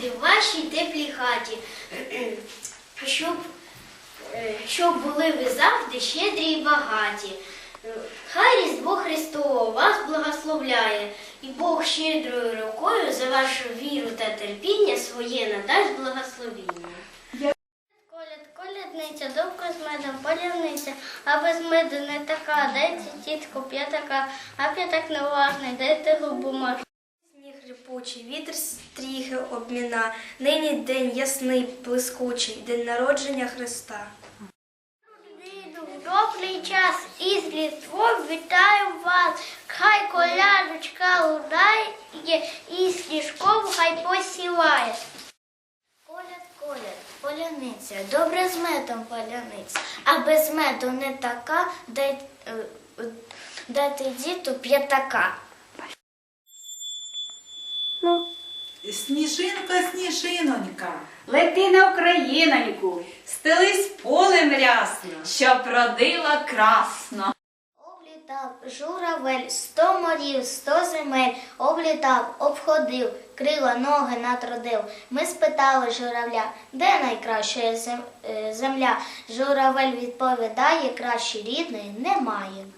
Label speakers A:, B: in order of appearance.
A: гості в вашій теплій хаті, щоб були ви завжди щедрі й багаті. Хай Різдво Христово вас благословляє, і Бог щедрою рукою за вашу віру та терпіння своє надасть благословіння. Колядниця, довго з медом полярниця, а без меду не така, дайте тітку п'ятака, а п'ятак неважний, дайте губу можна.
B: Сніг рипучий, вітер стріхи обміна, нині день ясний, блискучий, день народження Христа.
A: Добрий час із Різдвом вітаю вас, хай колядочка лунає і сніжком хай посіває. Коляд, поляниця, добре з медом поляниця, а без меду не така, дайте діту п'ятака.
C: Сніжинка, сніжинонька,
D: Лети на Україноньку, стелись полем рясно, щоб родила красно.
A: Облітав журавель 100 морів, 100 земель, облітав, обходив, крила ноги натрудив. Ми спитали журавля, де найкраща земля? Журавель відповідає, краще рідної немає.